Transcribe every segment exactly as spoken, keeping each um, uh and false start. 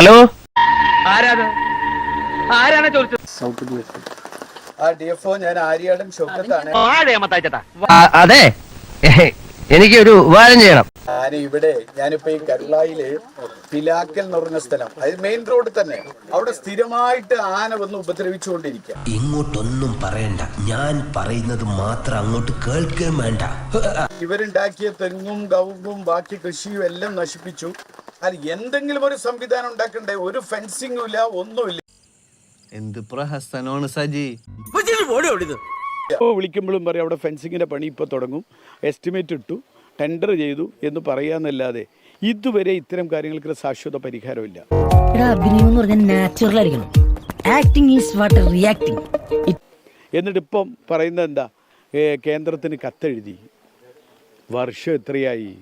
Hello, ആരാണ് ആരാണ് ചോദിച്ചത്? ആ ഡി എഫ് ഒ ഞാൻ ആര്യാടൻ ഷൗക്കത്താണ്. അതെ, എനിക്ക് ഒരു ഉപകാരം ചെയ്യണം. ഞാൻ ഇവിടെ ഞാനിപ്പോ ഈ കരുളായില് പിലാക്കൽ എന്ന് പറഞ്ഞ സ്ഥലം, അത് മെയിൻ റോഡ് തന്നെ, അവിടെ സ്ഥിരമായിട്ട് ആന വന്ന് ഉപദ്രവിച്ചുകൊണ്ടിരിക്കുക. ഇങ്ങോട്ടൊന്നും പറയണ്ട, ഞാൻ പറയുന്നത് മാത്രം അങ്ങോട്ട് കേൾക്കുകയും വേണ്ട. ഇവരുണ്ടാക്കിയ തെങ്ങും കവുങ്ങും ബാക്കി കൃഷിയും എല്ലാം നശിപ്പിച്ചു. അത് എന്തെങ്കിലും ഒരു സംവിധാനം ഉണ്ടാക്കണ്ടേ? ഒരു ഫെൻസിംഗും ഇല്ല, ഒന്നുമില്ല. എന്ത് പ്രഹസനമാണ് സജി. വിളിക്കുമ്പോഴും പറയും അവിടെ ഫെൻസിങ്ങിന്റെ പണി ഇപ്പൊ തുടങ്ങും, എസ്റ്റിമേറ്റ് ഇട്ടു, ടെൻഡർ ചെയ്തു എന്ന് പറയാന്നല്ലാതെ ഇതുവരെ ഇത്തരം കാര്യങ്ങൾക്ക് ശാശ്വത പരിഹാരമില്ല. എന്നിട്ട് ഇപ്പം പറയുന്നത് എന്താ? കേന്ദ്രത്തിന് കത്തെഴുതി. വർഷം എത്രയായി?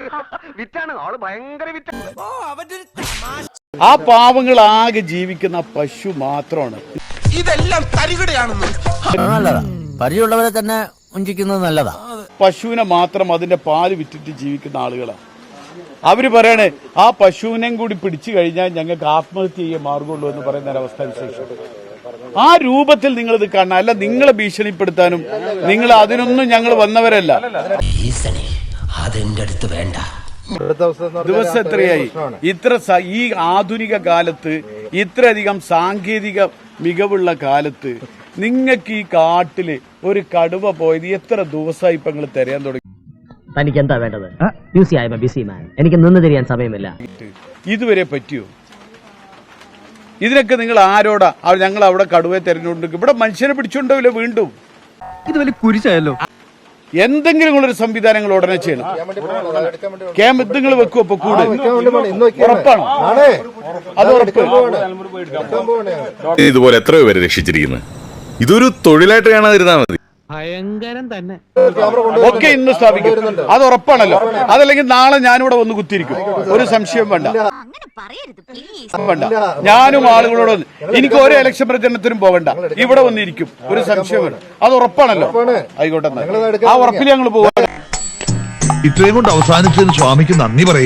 ആ പാവങ്ങൾ ആകെ ജീവിക്കുന്ന പശു മാത്രമാണ്. ഇതെല്ലാം തരികിടയാണെന്ന് പരിചയമുള്ളവരെ തന്നെ വഞ്ചിക്കുന്നത് നല്ലതാ. പശുവിനെ മാത്രം അതിന്റെ പാല് വിറ്റിട്ട് ജീവിക്കുന്ന ആളുകളാണ്. അവര് പറയണേ ആ പശുവിനെയും കൂടി പിടിച്ചു കഴിഞ്ഞാൽ ഞങ്ങൾക്ക് ആത്മഹത്യ ചെയ്യാൻ മാർഗമുള്ളൂ എന്ന് പറയുന്ന ഒരവസ്ഥ വിശേഷം. ആ രൂപത്തിൽ നിങ്ങൾ ഇത് കാണണം. അല്ല, നിങ്ങളെ ഭീഷണിപ്പെടുത്താനും നിങ്ങൾ അതിനൊന്നും ഞങ്ങൾ വന്നവരല്ല. അതെന്റെ അടുത്ത് വേണ്ട. ദിവസം എത്രയായി? ഇത്ര ഈ ആധുനിക കാലത്ത്, ഇത്രയധികം സാങ്കേതിക മികവുള്ള കാലത്ത് നിങ്ങൾക്ക് ഈ കാട്ടില് ഒരു കടുവ പോയത് എത്ര ദിവസമായി ഇപ്പൊ നിങ്ങൾ തിരയാൻ തുടങ്ങി? തനിക്ക് എന്താ വേണ്ടത്? ബിസി ആയ ബിസി മാൻ, എനിക്ക് നിന്ന് തിരിയാൻ സമയമില്ല. ഇതുവരെ പറ്റിയോ? ഇതിനൊക്കെ നിങ്ങൾ ആരോടാ? ഞങ്ങൾ അവിടെ കടുവയെ തെരഞ്ഞുകൊണ്ടിരിക്കും. ഇവിടെ മനുഷ്യനെ പിടിച്ചുകൊണ്ടാവില്ല വീണ്ടും. ഇത് വലിയ കുരിശായല്ലോ. എന്തെങ്കിലും ഒരു സംവിധാനങ്ങൾ ഉടനെ ചെയ്യണം. ക്യാമ്പ് നിങ്ങൾ വെക്കുവോ? ഇപ്പൊ കൂടെ ഉറപ്പാണ്. അത് ഉറപ്പ്. ഇതുപോലെ എത്രയോ പേര് രക്ഷിച്ചിരിക്കുന്നത്. ഇതൊരു തൊഴിലായിട്ട് കാണാതിരുന്നാ മതി. ഭയങ്കരം തന്നെ. ഒക്കെ ഇന്ന് സ്ഥാപിക്കും, അത് ഉറപ്പാണല്ലോ. അതല്ലെങ്കിൽ നാളെ ഞാനിവിടെ വന്ന് കുത്തിയിരിക്കും, ഒരു സംശയം വേണ്ട. വേണ്ട, ഞാനും ആളുകളോട് എനിക്ക് ഒരു ഇലക്ഷൻ പ്രചരണത്തിനും പോകണ്ട, ഇവിടെ വന്നിരിക്കും, ഒരു സംശയം വേണ്ട. അത് ഉറപ്പാണല്ലോ. ആയിക്കോട്ടെ, ആ ഉറപ്പിൽ ഞങ്ങൾ പോകാം. ഇത്രയും കൊണ്ട് അവസാനിച്ചതിന് സ്വാമിക്ക് നന്ദി പറയും.